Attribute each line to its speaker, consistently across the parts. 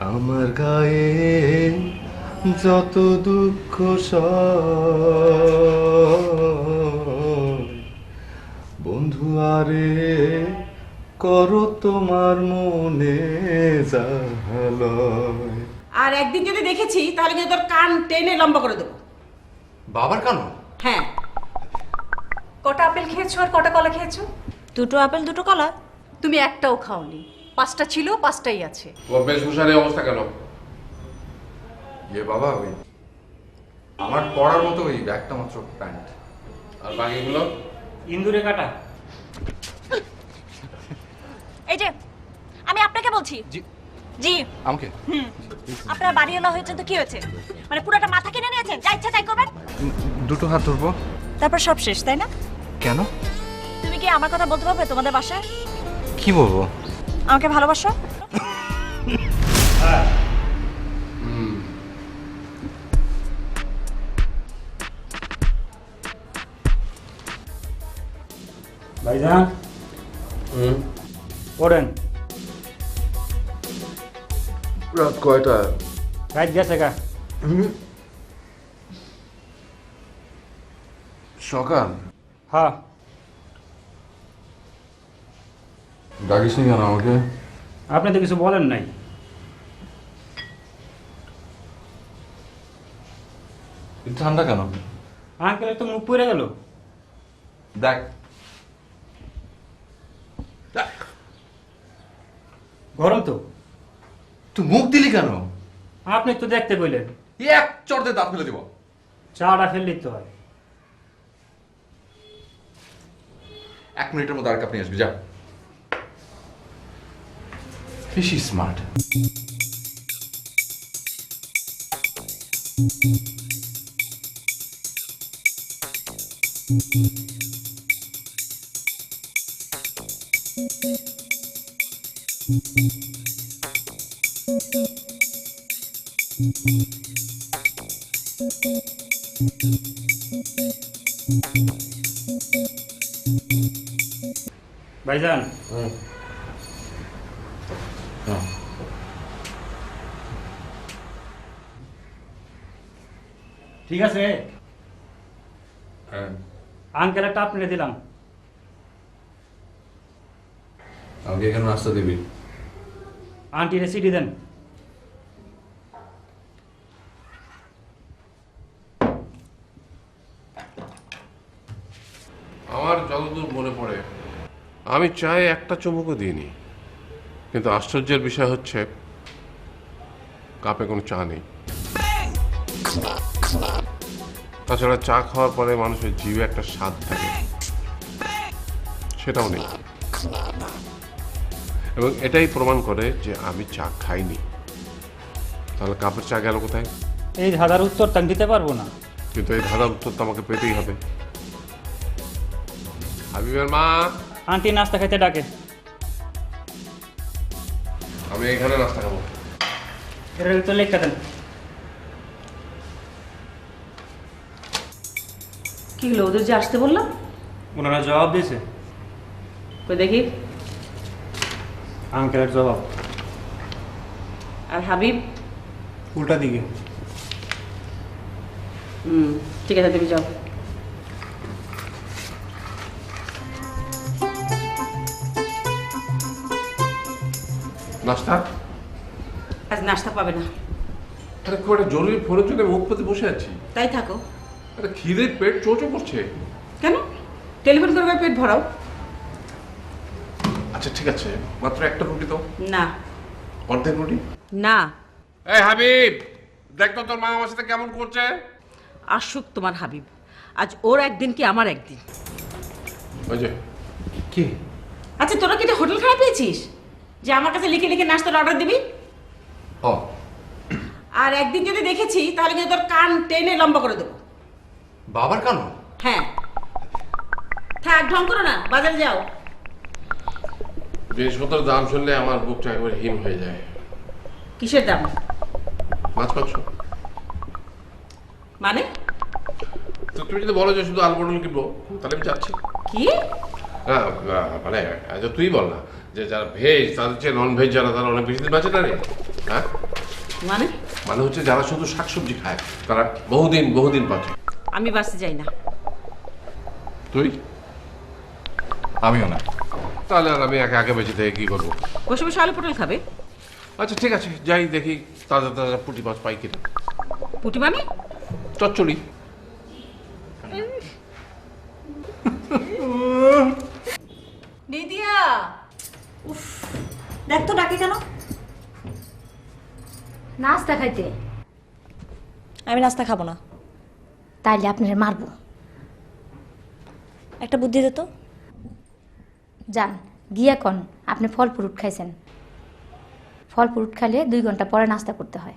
Speaker 1: আমার গায়ে যত দুঃখ বন্ধু আরে করো তোমার মনে জাহালয়।
Speaker 2: আর একদিন যদি দেখেছি তাহলে কিন্তু তোর কান টেনে লম্বা করে দেবো।
Speaker 1: বাবার কেন?
Speaker 2: হ্যাঁ।
Speaker 3: কটা আপেল খেয়েছো আর কটা কলা খেয়েছো?
Speaker 4: দুটো আপেল দুটো কলা।
Speaker 3: তুমি একটাও খাওনি, 5টা ছিল 5টাই আছে।
Speaker 5: ও বেশভূষার এই অবস্থা কেন?
Speaker 6: বাবা ওই আমার পড়ার মতো ওই একটা মাত্র প্যান্ট।
Speaker 5: আর বাকিগুলো?
Speaker 7: ইন্দুরে কাটা।
Speaker 4: এই যে আমি আপনাকে বলছি।
Speaker 6: জি
Speaker 4: জি
Speaker 6: আমাকে
Speaker 4: আপনার বাড়িওয়ালা হয়েছে তো কি হয়েছে? মানে পুরোটা মাথা কিনে নিয়েছেন, যা ইচ্ছা তাই করবেন।
Speaker 6: দুটো হাত ধরবো।
Speaker 4: তারপর সব শেষ, তাই না?
Speaker 6: কেন?
Speaker 4: তুমি কি আমার কথা বলতে পারবে তোমাদের বাসায়?
Speaker 6: কি বলবো?
Speaker 4: আমাকে ভালোবাসো?
Speaker 7: ভাইজান ওড়েন।
Speaker 5: রাত কয়টা?
Speaker 7: রাত গেছে গা।
Speaker 5: সকাল?
Speaker 7: হ্যাঁ।
Speaker 5: ডাকিস নি কেন আমাকে?
Speaker 7: আপনি তো কিছু বলেন নাই।
Speaker 6: ঠান্ডা কেন?
Speaker 7: আঙ্কেলের তো মুখ পুড়ে গেল।
Speaker 6: দেখ
Speaker 7: গরম তো।
Speaker 6: তুই মুখ দিলি কেন?
Speaker 7: আপনি তো দেখতে বললেন।
Speaker 6: এক চড়তে দাঁত ফেলে দিব।
Speaker 7: চাটা ফেললেই তো হয়।
Speaker 6: 1 মিনিটের মধ্যে আর কাপ নিয়ে আসবি, যা। বেশি স্মার্ট।
Speaker 7: ভাইজান ঠিক আছে। আঙ্কেল একটা আপনাকে দিলাম।
Speaker 6: আমাকে এখানে নাস্তা দিবি?
Speaker 7: আন্টি রেসিপি দেন।
Speaker 5: আমার যতদূর মনে পড়ে আমি চায়ে একটা চুমুকও দিইনি, কিন্তু আশ্চর্যের বিষয় হচ্ছে কাপে কোনো চা নেই। তাছাড়া চা খাওয়ার পরে মানুষের জিভে একটা স্বাদ থাকে, সেটাও নেই। এবং এটাই প্রমাণ করে যে আমি চা খাইনি। তাহলে কাপের চা গেল কোথায়?
Speaker 7: এই ধাঁধার উত্তর তা দিতে পারবো না।
Speaker 5: কিন্তু এই ধাঁধার উত্তর তো আমাকে পেতেই হবে। হাবিবের মা,
Speaker 7: আন্টি নাস্তা খাইতে ডাকে।
Speaker 5: আমি এখানে নাস্তা খাবো।
Speaker 7: এর তো লেখা দেন।
Speaker 2: কি হলো, ওদের যে আসতে বললাম?
Speaker 7: ওনারা জবাব দিয়েছে।
Speaker 2: কই দেখি।
Speaker 7: আঙ্কেলের জবাব।
Speaker 2: আর হাবিব?
Speaker 7: উল্টা দিকে।
Speaker 2: ঠিক আছে, তুমি যাও।
Speaker 5: নাস্তা?
Speaker 2: আজ নাস্তা পাবে না।
Speaker 5: আরে খুব একটা জরুরি ফোনের জন্য মুখ পেতে বসে আছি।
Speaker 2: তাই থাকো।
Speaker 5: আরে খিদে পেট চোচো করছে।
Speaker 2: কেন? টেলিফোন করবে, পেট ভরাও।
Speaker 5: আচ্ছা ঠিক আছে, মাত্র একটা রুটি তো?
Speaker 2: না।
Speaker 5: অর্ধেক রুটি?
Speaker 2: না।
Speaker 5: এই হাবিব, দেখ তো তোর মা আমার সাথে কেমন করছে।
Speaker 2: আসুক তোমার হাবিব, আজ ওর একদিন কি আমার একদিন।
Speaker 5: ওই যে
Speaker 6: কি?
Speaker 2: আচ্ছা, তোরা কি এটা হোটেল খারাপ পেয়েছিস যে আমার কাছে লিখে লিখে নাস্তার অর্ডার দিবি?
Speaker 6: ও
Speaker 2: আর একদিন যদি দেখেছি তাহলে কিন্তু তোর কান টেনে লম্বা করে দেবো।
Speaker 6: বাবার কেন?
Speaker 2: হ্যাঁ। থাক, ঢং করো না, বাজারে যাও।
Speaker 5: জিনিসপত্রের দাম শুনলে আমার বুকটা একবার হিম হয়ে যায়।
Speaker 2: কিসের দাম?
Speaker 5: মাছ মাংস।
Speaker 2: মানে?
Speaker 5: তো তুমি যদি বলো যে শুধু আলু পটল কিনবো, তাহলে আমি যাচ্ছি।
Speaker 2: কি?
Speaker 5: হ্যাঁ, মানে তুই বল না যে যারা ভেজ তাদের চেয়ে নন ভেজ যারা, তারা অনেক বেশি দিন বাঁচে না রে। হ্যাঁ,
Speaker 2: মানে
Speaker 5: মানে হচ্ছে যারা শুধু শাকসবজি খায় তারা বহুদিন বাঁচে।
Speaker 2: আমি বাসে যাই না।
Speaker 5: তুই?
Speaker 6: আমিও না।
Speaker 5: তাহলে আর আমি একে আগে বেঁচে থেকে কি করবো?
Speaker 2: বসে বসে আলু পটল খাবে?
Speaker 5: আচ্ছা ঠিক আছে, যাই দেখি তাজা তাজা পুঁটি মাছ পাই কিনা।
Speaker 2: পুটি মানে?
Speaker 5: চচ্চড়ি।
Speaker 3: নিদিয়া,
Speaker 4: দেখ তো ডাকে কেন?
Speaker 8: নাস্তা খাইতে।
Speaker 4: আমি নাস্তা খাবো না।
Speaker 8: তাইলে আপনারে মারবো।
Speaker 4: একটা বুদ্ধি দে তো।
Speaker 8: যান গিয়া কন আপনি ফল ফ্রুট খাইছেন। ফল ফ্রুট খাইলে 2 ঘন্টা পরে নাস্তা করতে হয়।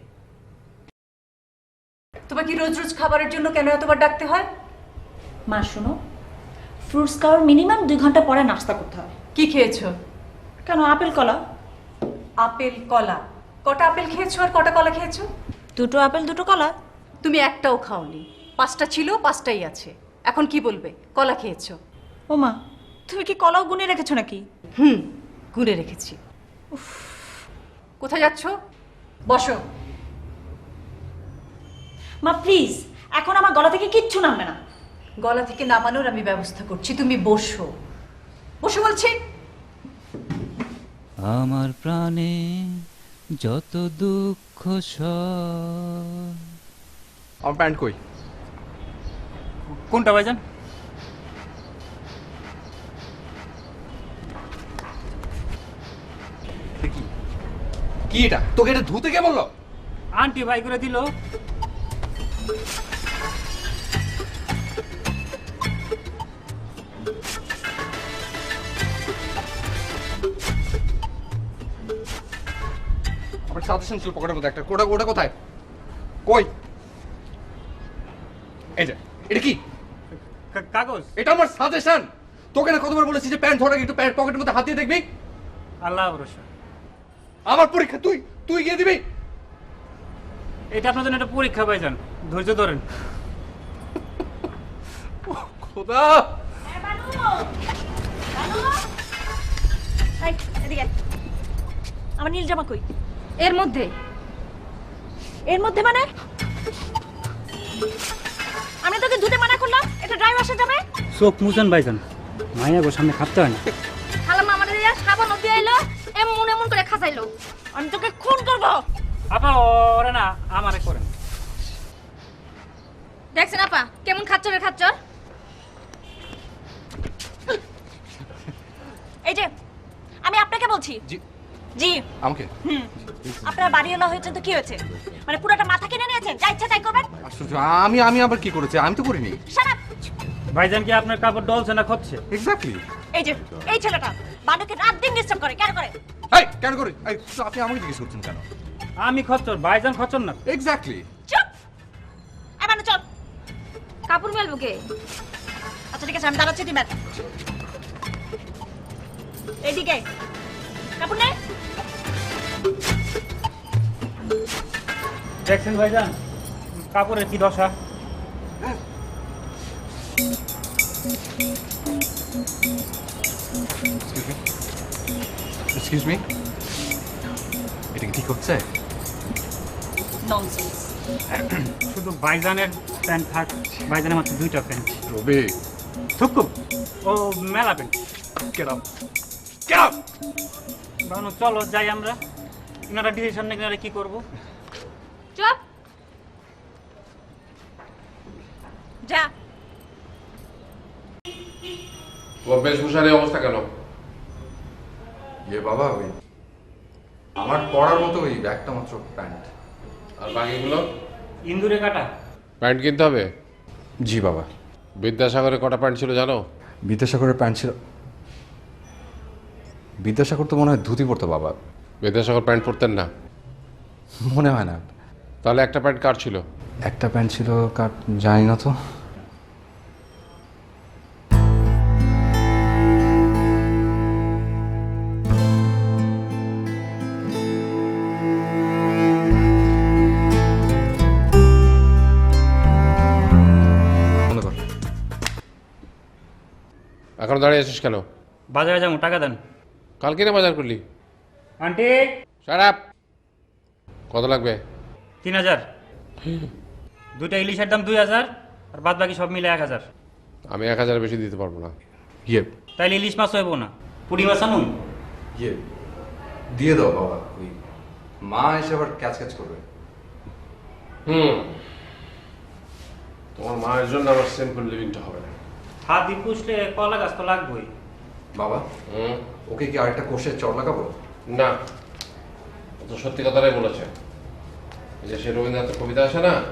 Speaker 3: তোমাকে রোজ রোজ খাবারের জন্য কেন এতবার ডাকতে হয়?
Speaker 4: মা শোনো, ফ্রুটস খাওয়ার মিনিমাম 2 ঘন্টা পরে নাস্তা করতে হয়।
Speaker 3: কি খেয়েছো?
Speaker 4: কেন, আপেল কলা।
Speaker 3: আপেল কলা? কটা আপেল খেয়েছো আর কটা কলা খেয়েছো?
Speaker 4: 2টো আপেল 2টো কলা।
Speaker 3: তুমি একটাও খাওনি। 5টা ছিল 5টাই আছে। এখন কি বলবে কলা খেয়েছো?
Speaker 4: ও মা, তুমি কি কলাও গুনে রেখেছো নাকি?
Speaker 3: গুনে রেখেছি। কোথায় যাচ্ছো? বসো।
Speaker 4: মা প্লিজ, এখন আমার গলা থেকে কিচ্ছু নামবে না।
Speaker 3: গলা থেকে নামানোর আমি ব্যবস্থা করছি, তুমি বসো। বসো বলছি।
Speaker 9: আমার প্রাণে যত দুঃখ সব।
Speaker 6: আমার প্যান্ট কই?
Speaker 7: কোনটা ভাইজান?
Speaker 6: কি এটা? তোকে এটা ধুতে কে বললো?
Speaker 7: আন্টি ভাই করে দিল।
Speaker 6: আমার সাজেশন ছিল পকেটের মধ্যে একটা। ওটা কোথায়? কই? এটা কি?
Speaker 7: কাগজ।
Speaker 6: এটা আমার সাজেশন। তোকে না কতবার বলেছি যে প্যান্ট ধরে একটু প্যান্ট পকেটের মধ্যে হাত দিয়ে দেখবি।
Speaker 7: আল্লাহ ভরসা।
Speaker 6: আমার পরীক্ষা তুই গিয়ে দিবি।
Speaker 7: এটা আপনার জন্য একটা পরীক্ষা ভাইজান, ধৈর্য ধরেন।
Speaker 6: খোদা,
Speaker 4: এই, এদিকে আয়। আমার নীল জামা কই?
Speaker 8: এর মধ্যে
Speaker 4: এর মধ্যে মানে? আমি তোকে ধুতে মানা করলাম, এটা ড্রাই ওয়াশে যাবে।
Speaker 7: চোখ মুছেন ভাইজান, মায়া গো সামনে খাপতে হয় না।
Speaker 8: খালাম্মা আমাদের দিয়া সাবান দিয়ে আইলো, এমন করে খাসাইলো।
Speaker 4: আমি তোকে খুন করব।
Speaker 7: আপা ওরে না, আমারে করেন।
Speaker 8: দেখছেন আপা কেমন খাচ্চরের খাচ্চর।
Speaker 4: এই যে আমি আপনাকে বলছি।
Speaker 6: জি।
Speaker 4: জি।
Speaker 6: আমাকে?
Speaker 4: আপনার বাড়িওয়ালা হয়েছে তো কি হয়েছে? মানে পুরোটা মাথা কিনে নিয়েছেন, যা ইচ্ছা তাই করবেন।
Speaker 6: আশ্চর্য, আমি আবার কি করেছি? আমি তো করিনি।
Speaker 4: Shut up.
Speaker 7: ভাইজান কি আপনার কাপড় ডলছে না খচ্ছে?
Speaker 6: এক্স্যাক্টলি।
Speaker 4: এই যে এই ছেলেটা বানুকে রাত দিন ডিস্টার্ব করে, কেন করে?
Speaker 6: এই কেন করি? এই আপনি আমাকে জিজ্ঞেস করছেন কেন?
Speaker 7: আমি খচ্চর, ভাইজান খচ্চর না।
Speaker 6: এক্স্যাক্টলি।
Speaker 4: চুপ। এই বানু চল।
Speaker 8: কাপড় মেলবো কে?
Speaker 4: আচ্ছা ঠিক আছে, আমি দাঁড়াচ্ছি, দিবেন এইদিকে কাপড় নে।
Speaker 7: দেখছেন ভাইজান কাপড়ের কি দশা।
Speaker 6: এক্সকিউজ মি, এটা কি ঠিক হচ্ছে?
Speaker 4: ননসেন্স।
Speaker 7: শুধু ভাইজানের প্যান্ট থাক, ভাইজানের মাত্র 2টা প্যান্ট।
Speaker 6: রবি,
Speaker 7: থুকুম ও মেলা pant.
Speaker 6: Get up, get up.
Speaker 7: Banu চলো যাই আমরা। ইনারা ডিসিশন নিয়ে কি করবো।
Speaker 8: চুপ।
Speaker 4: যা।
Speaker 5: তোমার বেশভূষার এই অবস্থা কেন?
Speaker 6: বাবা, ওই আমার পড়ার মতো ওই একটা মাত্র প্যান্ট।
Speaker 5: আর বাকিগুলো?
Speaker 7: ইন্দুরে কাটা।
Speaker 5: প্যান্ট কিনতে হবে?
Speaker 6: জি বাবা।
Speaker 5: বিদ্যাসাগরে কটা প্যান্ট ছিল জানো?
Speaker 6: বিদ্যাসাগরের প্যান্ট ছিল। বিদ্যাসাগর তো মনে হয় ধুতি পরতো বাবা।
Speaker 5: বিদ্যাসাগর প্যান্ট পরতেন না?
Speaker 6: মনে হয় না।
Speaker 5: তাহলে একটা প্যান্ট কার ছিল?
Speaker 6: একটা প্যান্ট ছিল কার জানি না তো।
Speaker 5: এখন দাঁড়িয়ে আছিস কেন?
Speaker 7: বাজারে যাবো, টাকা দেন।
Speaker 5: কালকে না বাজার করলি?
Speaker 7: Aunty
Speaker 5: shut up. কত লাগবে?
Speaker 7: 3000। দুইটা ইলিশের দাম 2000 আর বাদ বাকি সব মিলে 1000।
Speaker 5: আমি 1000 বেশি দিতে পারবো না।
Speaker 1: ইয়ে
Speaker 7: তাইলে ইলিশ মাছ হইব না, পুরি মাছ আনুন।
Speaker 1: ইয়ে দিয়ে দাও বাবা, ওই মা এসে আবার ক্যাচ ক্যাচ করবে।
Speaker 5: তোমার মায়ের জন্য আমার সিম্পল লিভিংটা হবে না।
Speaker 7: হাত দিয়ে পুষলে কলা গাছ তো লাগবেই।
Speaker 1: বাবা ওকে কি আরেকটা কোষে চড় লাগাবো?
Speaker 5: না, ও তো সত্যি কথাটাই বলেছে। এই যে সে রবীন্দ্রনাথের কবিতা আছে না,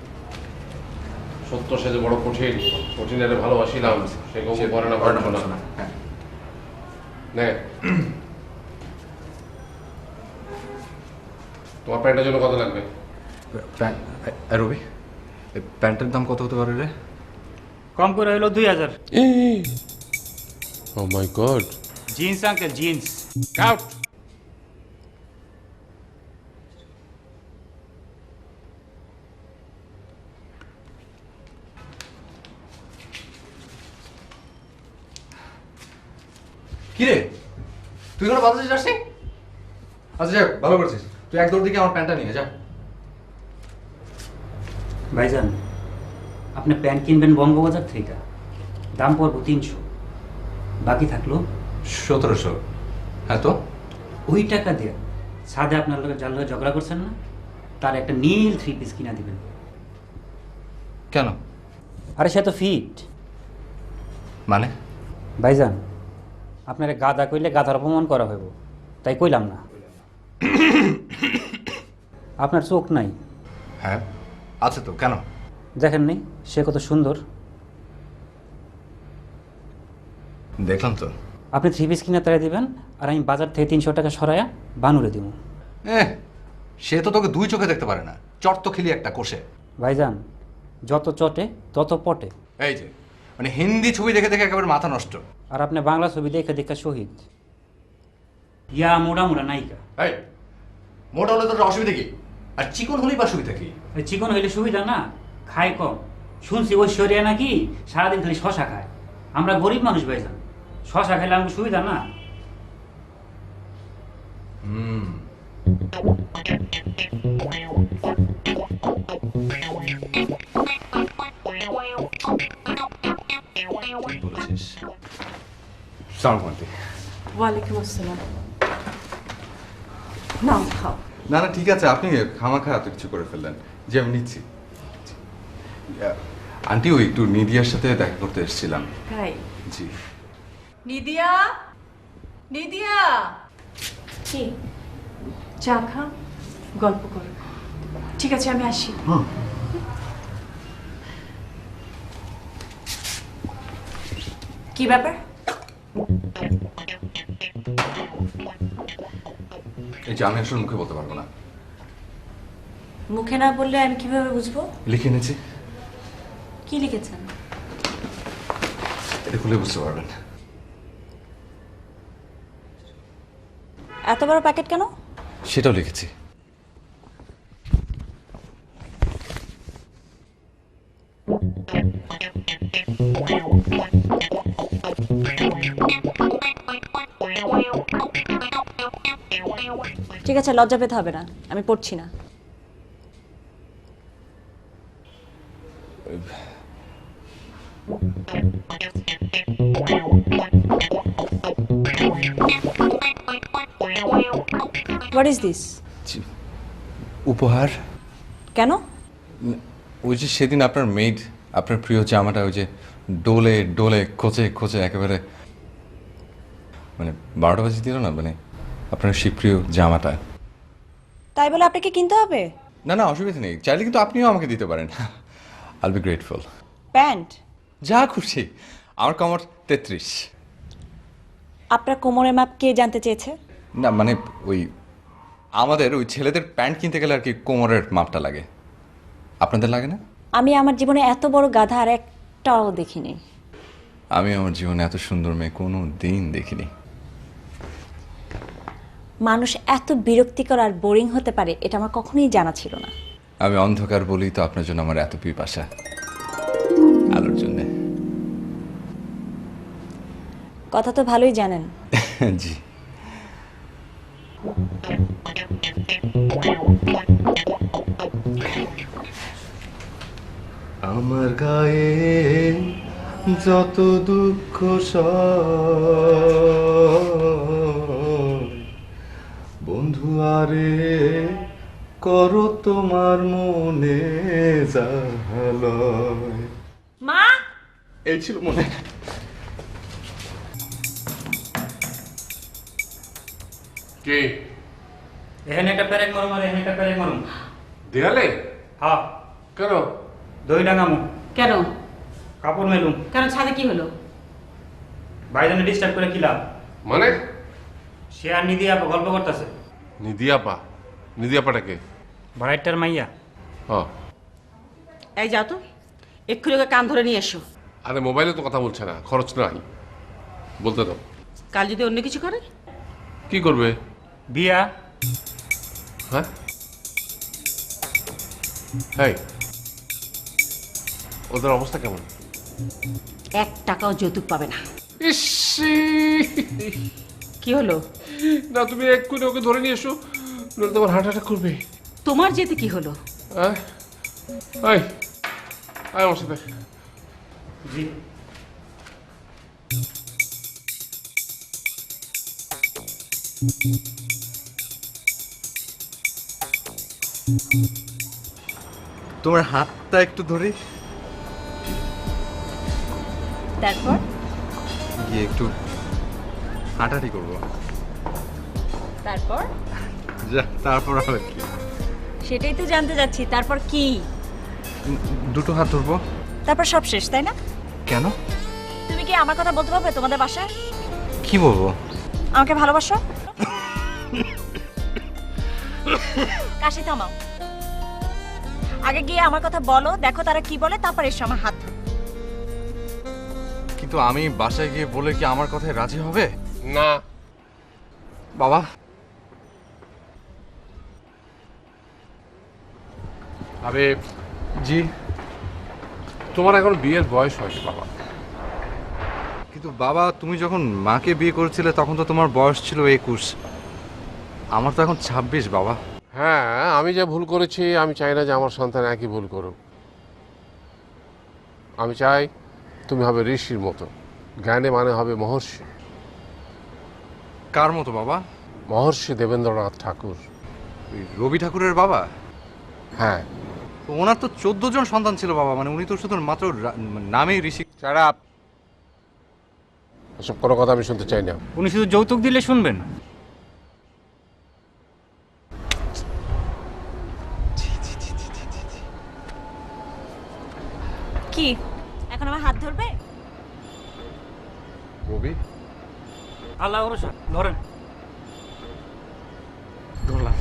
Speaker 5: সত্য সে যে বড় কঠিন, কঠিনের ভালোবাসিলাম সে কবু করে না পারছো না।
Speaker 1: হ্যাঁ
Speaker 5: নে, তোমার প্যান্টের জন্য কত লাগবে?
Speaker 1: রবি প্যান্টের দাম কত হতে পারে রে?
Speaker 7: কম করে হইলো 2000।
Speaker 5: Oh my god.
Speaker 7: Jeans uncle, jeans.
Speaker 5: Out.
Speaker 1: কি রে তুই কোনো বাজারে যাসনি? আচ্ছা যাক, ভালো করেছিস। তুই এক দৌড় দিকে আমার প্যান্টটা নিয়ে যা।
Speaker 7: ভাইজান, আপনি প্যান্ট কিনবেন বঙ্গবাজার থেকে, দাম পড়বো 300, বাকি থাকলো
Speaker 1: 1700। হ্যাঁ তো
Speaker 7: ওই টাকা দিয়ে সাদে আপনার লোকের যার লোক ঝগড়া করছেন না, তার একটা নীল 3 পিস কিনা দিবেন।
Speaker 1: কেন?
Speaker 7: আরে সে তো ফিট।
Speaker 1: মানে
Speaker 7: ভাইজান, আপনার গাদা কইলে গাধার অপমান করা হইব, তাই কইলাম না। আপনার চোখ নাই?
Speaker 1: হ্যাঁ আছে তো, কেন?
Speaker 7: দেখেন নি সে কত সুন্দর?
Speaker 1: দেখলাম তো।
Speaker 7: আপনি 3 পিস কিনে তারা দিবেন, আর আমি বাজার থেকে 300 টাকা সরাইয়া বানুরে দিব।
Speaker 1: সে তো তোকে দুই চোখে দেখতে পারে না, চট তো খেলি একটা কোষে।
Speaker 7: ভাইজান, যত চটে তত পটে।
Speaker 1: এই যে মানে হিন্দি ছবি দেখে দেখে একেবারে মাথা নষ্ট।
Speaker 7: আর আপনি বাংলা ছবি দেখে দেখে শহীদ। ইয়া মোড়া মোড়া নায়িকা।
Speaker 1: এই মোটা হলে তোর অসুবিধা কি? আর চিকন হলেই বা সুবিধা কি?
Speaker 7: চিকন হইলে সুবিধা না, খায় কম। শুনছি ঐশ্বরিয়া নাকি সারাদিন খালি শশা খায়। আমরা গরিব মানুষ ভাইজান, শশা খাইলে আমাকে সুবিধা না।
Speaker 1: বলেছিস। সালাম আলাইকুম।
Speaker 2: ওয়ালাইকুম আসসালাম। নাও খাও।
Speaker 1: না না ঠিক আছে, আপনি খামাখা এত কিছু করে ফেললেন, যে আমি নিচ্ছি। আন্টি ওই একটু নিদিয়ার সাথে দেখা করতে এসেছিলাম।
Speaker 2: তাই?
Speaker 1: জি।
Speaker 3: নিদিয়া, নিদিয়া,
Speaker 8: কি
Speaker 3: চা খা, গল্প করো। ঠিক আছে, আমি আসি। কি ব্যাপার?
Speaker 1: এই যে আমি আসলে মুখে বলতে পারবো না।
Speaker 4: মুখে না বললে আমি কিভাবে বুঝবো?
Speaker 1: লিখে এনেছি,
Speaker 4: কি লিখেছেন?
Speaker 1: এটা খুলে বুঝতে পারবেন।
Speaker 4: এত বড় প্যাকেট কেন?
Speaker 1: সেটাও লিখেছি।
Speaker 4: ঠিক আছে, লজ্জা পেতে হবে না, আমি পড়ছি না। What is this?
Speaker 1: উপহার।
Speaker 4: কেন?
Speaker 1: ওই যে সেদিন আপনার মেড আপনার প্রিয় জামাটা ওই যে ডোলে ডোলে খোঁচে খোঁচে একেবারে মানে 12টা বাজে দিল না, মানে আপনার সেই প্রিয় জামাটা।
Speaker 4: তাই বলে আপনাকে কিনতে হবে?
Speaker 1: না না অসুবিধা নেই, চাইলে কিন্তু আপনিও আমাকে দিতে পারেন। আইল বি গ্রেটফুল।
Speaker 4: প্যান্ট?
Speaker 1: যা খুশি। আমার কমর 33।
Speaker 4: আপনার কোমরের মাপ কে জানতে চেয়েছে?
Speaker 1: না মানে ওই আমাদের ওই ছেলেদের প্যান্ট কিনতে গেলে আর কি কোমরের মাপটা লাগে, আপনাদের লাগে না?
Speaker 4: আমি আমার জীবনে এত বড় গাধা আর একটাও দেখিনি।
Speaker 1: আমি আমার জীবনে এত সুন্দর মেয়ে কোনো দিন দেখিনি।
Speaker 4: মানুষ এত বিরক্তিকর আর বোরিং হতে পারে এটা আমার কখনোই জানা ছিল না।
Speaker 1: আমি অন্ধকার বলি তো আপনার জন্য আমার এত পিপাসা, আলোর জন্যে।
Speaker 4: কথা তো ভালোই জানেন।
Speaker 1: জি।
Speaker 10: আমার গায়ে যত দুঃখ বন্ধু আরে করো তোমার মনে জাহালয়।
Speaker 4: মা
Speaker 10: এই ছিল মনে।
Speaker 5: কে
Speaker 7: এখানে একটা প্যারেক মারুম আর এখানে একটা প্যারেক মারুম।
Speaker 5: দেয়ালে?
Speaker 7: হ্যাঁ,
Speaker 5: কেন?
Speaker 7: দই ডাঙামু,
Speaker 2: কেন
Speaker 7: কাপড় মেলুম।
Speaker 2: কেন ছাদে কি হলো?
Speaker 7: ভাইজানে ডিস্টার্ব করে কি লাভ?
Speaker 5: মানে?
Speaker 7: সে আর নিদি আপা গল্প করতেছে।
Speaker 5: নিদিয়াপা? নিদিয়াপাটাকে?
Speaker 7: ভাড়াইটার মাইয়া।
Speaker 5: হ্যাঁ।
Speaker 2: এই যাও তো, এক্ষুনি ওকে কান ধরে নিয়ে এসো।
Speaker 5: আরে মোবাইলে তো কথা বলছে না, খরচ নাই, বলতে দাও।
Speaker 2: কাল যদি অন্য কিছু করে?
Speaker 5: কি করবে?
Speaker 7: বিয়া।
Speaker 5: হ্যাঁ, হ্যাঁ। ওদের অবস্থা কেমন?
Speaker 2: 1 টাকাও যৌতুক পাবে না।
Speaker 5: ইসি,
Speaker 2: কি হলো?
Speaker 5: না তুমি এক্ষুনি ওকে ধরে নিয়ে এসো, নইলে তোমার হার্ট অ্যাটাক করবে।
Speaker 2: তোমার যেতে কি হলো?
Speaker 5: আয় আয় আয় আমার সাথে।
Speaker 7: জি।
Speaker 1: তোমার হাতটা একটু ধরি,
Speaker 4: তারপর
Speaker 1: গিয়ে একটু হাঁটাহাঁটি করবো।
Speaker 4: তারপর
Speaker 1: যা, তারপর আবার কি?
Speaker 4: সেটাই তো জানতে যাচ্ছি, তারপর কি?
Speaker 1: দুটো হাত ধরবো।
Speaker 4: তারপর সব শেষ, তাই না?
Speaker 1: কেন?
Speaker 4: তুমি কি আমার কথা বলতে পারবে তোমাদের বাসায়?
Speaker 1: কি বলবো?
Speaker 4: আমাকে ভালোবাসো? কাশি থামাও, আগে গিয়ে আমার কথা বলো, দেখো তারা কি বলে, তারপর এসো আমার হাত ধরো।
Speaker 1: কিন্তু আমি বাসায় গিয়ে বলে কি আমার কথায় রাজি হবে?
Speaker 5: না।
Speaker 1: বাবা,
Speaker 5: আরে
Speaker 1: জি।
Speaker 5: তোমার এখন বিয়ের বয়স হয়নি বাবা।
Speaker 1: কিন্তু বাবা, তুমি যখন মাকে বিয়ে করেছিলে তখন তো তোমার বয়স ছিল 21, আমার তো এখন 26 বাবা।
Speaker 5: হ্যাঁ, আমি যা ভুল করেছি আমি চাই না যে আমার সন্তান একই ভুল করুক। আমি চাই তুমি হবে ঋষির মতো, জ্ঞানে মানে হবে মহর্ষি।
Speaker 1: কার মতো বাবা?
Speaker 5: মহর্ষি দেবেন্দ্রনাথ ঠাকুর।
Speaker 1: ওই রবি ঠাকুরের বাবা?
Speaker 5: হ্যাঁ।
Speaker 1: তো ওনার তো 14 জন সন্তান ছিল বাবা, মানে উনি তো শুধু মাত্র নামেই ঋষি।
Speaker 5: ছাড়া এসব কোনো কথা আমি শুনতে চাই না।
Speaker 7: উনি শুধু যৌতুক দিলে শুনবেন?
Speaker 4: কি এখন আমার হাত ধরবে?
Speaker 1: রবি,
Speaker 7: আল্লাহ ভরসা, ধরেন।
Speaker 1: ধরলাম।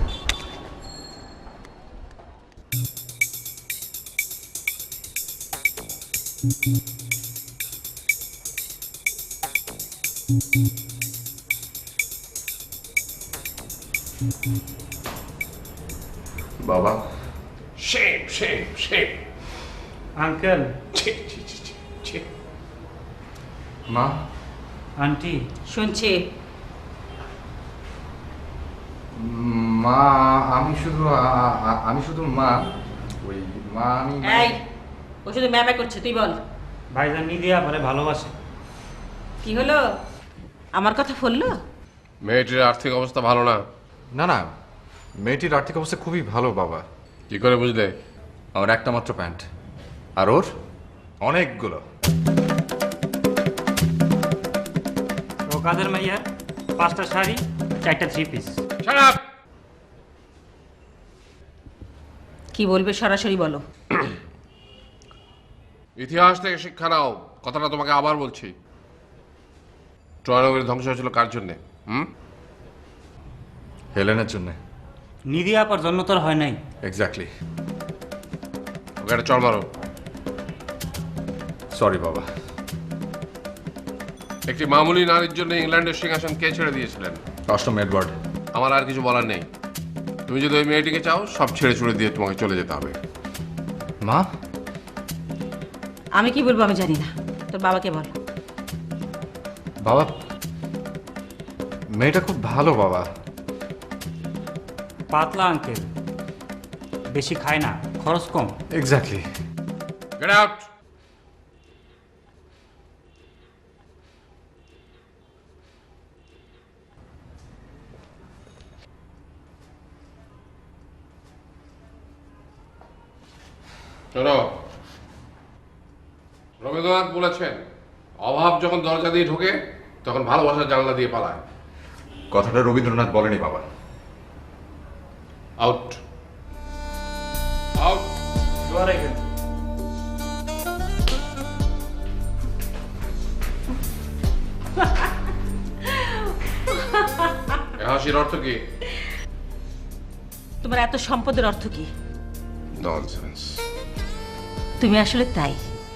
Speaker 1: বাবা,
Speaker 5: শেম শেম শেম।
Speaker 7: আঙ্কেল,
Speaker 5: ছি ছি ছি ছি ছি।
Speaker 1: মা,
Speaker 7: আন্টি,
Speaker 2: শুনছি।
Speaker 1: মা, আমি শুধু মা, ওই মা আমি।
Speaker 2: এই, ও শুধু ম্যামে করছে, তুই বল।
Speaker 7: ভাইজান নিদি আপারে ভালোবাসে।
Speaker 2: কি হলো? আমার কথা বললো?
Speaker 5: মেয়েটির আর্থিক অবস্থা ভালো না।
Speaker 1: না না, মেয়েটির আর্থিক অবস্থা খুবই ভালো বাবা।
Speaker 5: কি করে বুঝলে?
Speaker 1: আমার একটা মাত্র প্যান্ট, আর ওর অনেকগুলো।
Speaker 7: ও কাদের মাইয়ার 5টা শাড়ি, 4টা 3 পিস।
Speaker 5: Shut up!
Speaker 2: কি বলবে সরাসরি বলো।
Speaker 5: ইতিহাস থেকে শিক্ষা নাও, কথাটা তোমাকে আবার বলছি। ট্রয়নগরী ধ্বংস হয়েছিল কার জন্যে?
Speaker 1: হেলেনের জন্য।
Speaker 7: নিদি আপার জন্য তোর হয় নাই।
Speaker 1: এক্স্যাক্টলি।
Speaker 5: ওকে একটা চড় মারো।
Speaker 1: সরি বাবা।
Speaker 5: একটি মামুলি নারীর জন্য ইংল্যান্ডের সিংহাসন কে ছেড়ে দিয়েছিলেন?
Speaker 1: 8ম এডওয়ার্ড।
Speaker 5: আমার আর কিছু বলার নেই। তুমি যদি ওই মেয়েটিকে চাও, সব ছেড়ে ছুড়ে দিয়ে তোমাকে চলে যেতে হবে।
Speaker 1: মা,
Speaker 2: আমি কি বলবো আমি জানি না, তোর বাবাকে বল।
Speaker 1: বাবা, মেয়েটা খুব ভালো বাবা।
Speaker 7: পাতলা আঙ্কেল, বেশি খায় না, খরচ কম।
Speaker 1: এক্স্যাক্টলি।
Speaker 5: Get out! শোনো, রবীন্দ্রনাথ বলেছেন অভাব যখন দরজা দিয়ে ঢোকে তখন ভালোবাসার জানলা দিয়ে পালায়।
Speaker 1: কথাটা রবীন্দ্রনাথ বলেনি বাবা।
Speaker 5: Out out. হাসির অর্থ কি?
Speaker 4: তোমার এত সম্পদের অর্থ কি?
Speaker 5: ননসেন্স।
Speaker 4: তুমি আসলে তাই।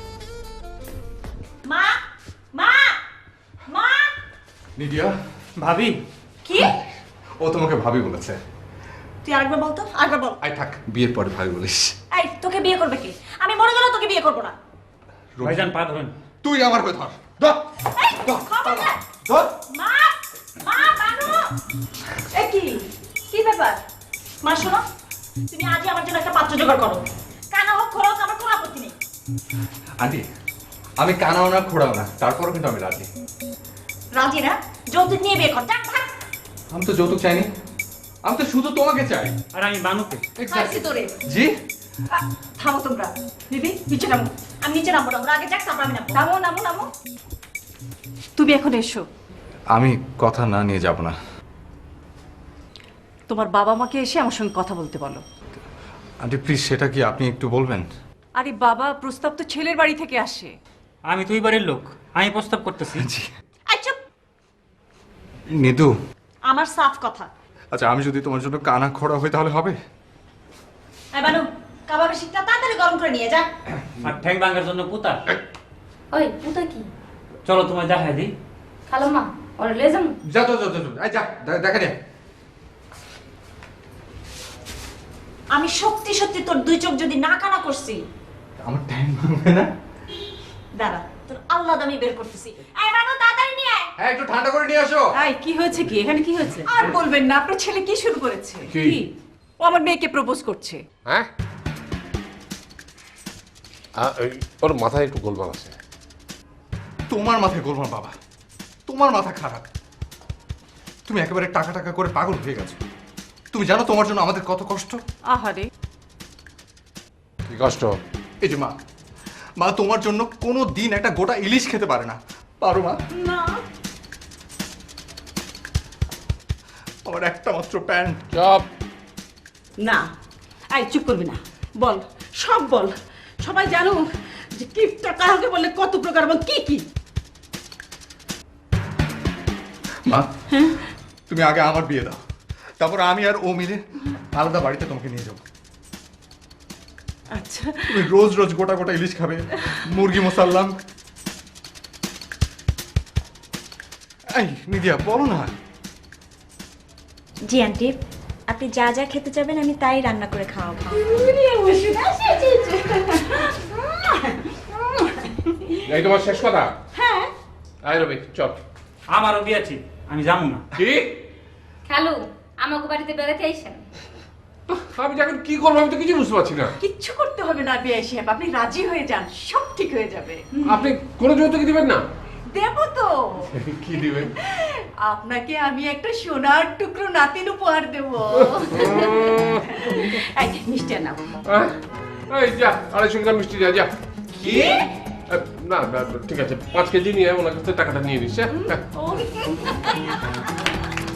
Speaker 4: মা মা মা
Speaker 1: নিডিয়া,
Speaker 7: ভাবি
Speaker 4: কি?
Speaker 1: ও তোমাকে ভাবি বলেছে।
Speaker 4: তুই আরেকবার বল তো, আরেকবার বল।
Speaker 1: আই থাক, বিয়ের পরে ভাবি বলিস।
Speaker 4: এই তোকে বিয়ে করবে কি? আমি মরে গেলেও তোকে বিয়ে করবো না।
Speaker 7: ভাইজান পা ধরেন।
Speaker 1: তুই আমার হয়ে ধর, ধর,
Speaker 4: এই,
Speaker 1: ধর,
Speaker 4: খবরদার।
Speaker 1: ধর।
Speaker 4: মা মা বানু, এ কি কি ব্যাপার? মা শোনো, তুমি আজই আমার জন্য একটা পাত্র জোগাড় করো। কানা হোক খোলা হোক, আমার কোনো আপত্তি নেই।
Speaker 1: আন্টি, আমি কানাও না খোড়াও না, তারপরও কিন্তু আমি রাজি।
Speaker 4: রাজি না? যৌতুক নিয়ে বিয়ে কর, যাক ভাগ।
Speaker 1: আমি তো যৌতুক চাইনি, আমি তো শুধু তোমাকে চাই।
Speaker 7: আর আমি বানুকে।
Speaker 4: খাইছি তোরে।
Speaker 1: জি,
Speaker 4: থামো তোমরা। দিদি নিচে নামো। আমি নিচে নামবো না, ওরা আগে যাক তারপর আমি নামবো। নামো নামো নামো।
Speaker 3: তুমি এখন এসো।
Speaker 1: আমি কথা না নিয়ে যাব না।
Speaker 3: তোমার বাবা মাকে এসে আমার সঙ্গে কথা বলতে বলো।
Speaker 1: আন্টি প্লিজ, সেটা কি আপনি একটু বলবেন?
Speaker 3: আরে বাবা, প্রস্তাব তো ছেলের বাড়ি থেকে আসে।
Speaker 7: আমি তুই বাড়ির লোক, আমি প্রস্তাব করতেছি।
Speaker 1: জি।
Speaker 4: এই চুপ।
Speaker 1: নিদু,
Speaker 4: আমার সাফ কথা।
Speaker 1: আচ্ছা আমি যদি তোমার জন্য কানা খোড়া হই তাহলে হবে?
Speaker 4: এই বানু, কাবাবের শীতটা তাড়াতাড়ি গরম করে নিয়ে যা।
Speaker 7: আর ঠ্যাং ভাঙার জন্য পুতা।
Speaker 8: ওই পুতা কি?
Speaker 7: চলো তোমায় দেখাই দিই।
Speaker 8: খালো মা, ওর লে যাম।
Speaker 1: যা যা যা যা, আই যা, দেখা নে।
Speaker 4: আমি সত্যি সত্যি তোর দুই চোখ যদি না কানা করছি,
Speaker 1: আমার টাইম ভাঙবে না?
Speaker 4: দাঁড়া তোর আল্লাহ দামি বের করতেছি। এই বানু তাড়াতাড়ি নিয়ে আয়।
Speaker 1: হ্যাঁ, একটু ঠান্ডা করে নিয়ে আসো।
Speaker 2: এই কি হয়েছে কি এখানে, কি হয়েছে?
Speaker 3: আর বলবেন না, আপনার ছেলে কি শুরু করেছে?
Speaker 5: কি?
Speaker 3: ও আমার মেয়েকে প্রপোজ করছে।
Speaker 5: হ্যাঁ, ওর মাথায় একটু গোলমাল আছে।
Speaker 1: তোমার মাথায় গোলমাল বাবা, তোমার মাথা খারাপ। তুমি একেবারে টাকা টাকা করে পাগল হয়ে গেছো। তুমি জানো তোমার জন্য আমাদের কত কষ্ট?
Speaker 3: আহারে,
Speaker 5: কি কষ্ট?
Speaker 1: এই যে মা, মা তোমার জন্য কোনো দিন একটা গোটা ইলিশ খেতে পারে না। পারো মা?
Speaker 2: না
Speaker 1: আমার একটা মাত্র প্যান্ট।
Speaker 5: চপ।
Speaker 2: না, এই চুপ করবি না, বল সব বল, সবাই জানো যে কিপটা কাহাকে বলে কত প্রকার এবং কি কি।
Speaker 1: মা, তুমি আগে আমার বিয়ে দাও, তারপর আমি আর ও মিলে আলাদা বাড়িতে তোমাকে নিয়ে যাবো।
Speaker 2: আচ্ছা
Speaker 1: তুমি রোজ রোজ গোটা গোটা ইলিশ খাবে, মুরগি মোসাল্লাম। এই নিদিয়া, বলো না।
Speaker 4: জি আন্টি, আপনি যা যা খেতে চাবেন আমি তাই রান্না করে খাওয়াবো।
Speaker 5: এই তোমার শেষ কথা?
Speaker 2: হ্যাঁ,
Speaker 5: আই রবি, চল।
Speaker 7: আমারও বিয়ে আছে, আমি যাবো না।
Speaker 5: কি?
Speaker 8: খালু, আমাকে বাড়িতে বেড়াতে আইছেন?
Speaker 5: আমি এখন কি করবো, আমি তো কিছু বুঝতে পারছি না।
Speaker 2: কিচ্ছু করতে হবে না বিয়ে সাহেব, আপনি রাজি হয়ে যান, সব ঠিক হয়ে যাবে।
Speaker 5: আপনি কোনো যৌতুক দিবেন না?
Speaker 2: দেব তো,
Speaker 5: কি দিবেন?
Speaker 2: আপনাকে আমি একটা সোনার টুকরো নাতিন উপহার দেব। এই মিষ্টি আনাও।
Speaker 5: এই যা, 250 গ্রাম মিষ্টি যা।
Speaker 2: কি?
Speaker 5: না না, ঠিক আছে, 5 কেজি নিয়ে ওনার কাছে টাকাটা নিয়ে নিস।
Speaker 2: ও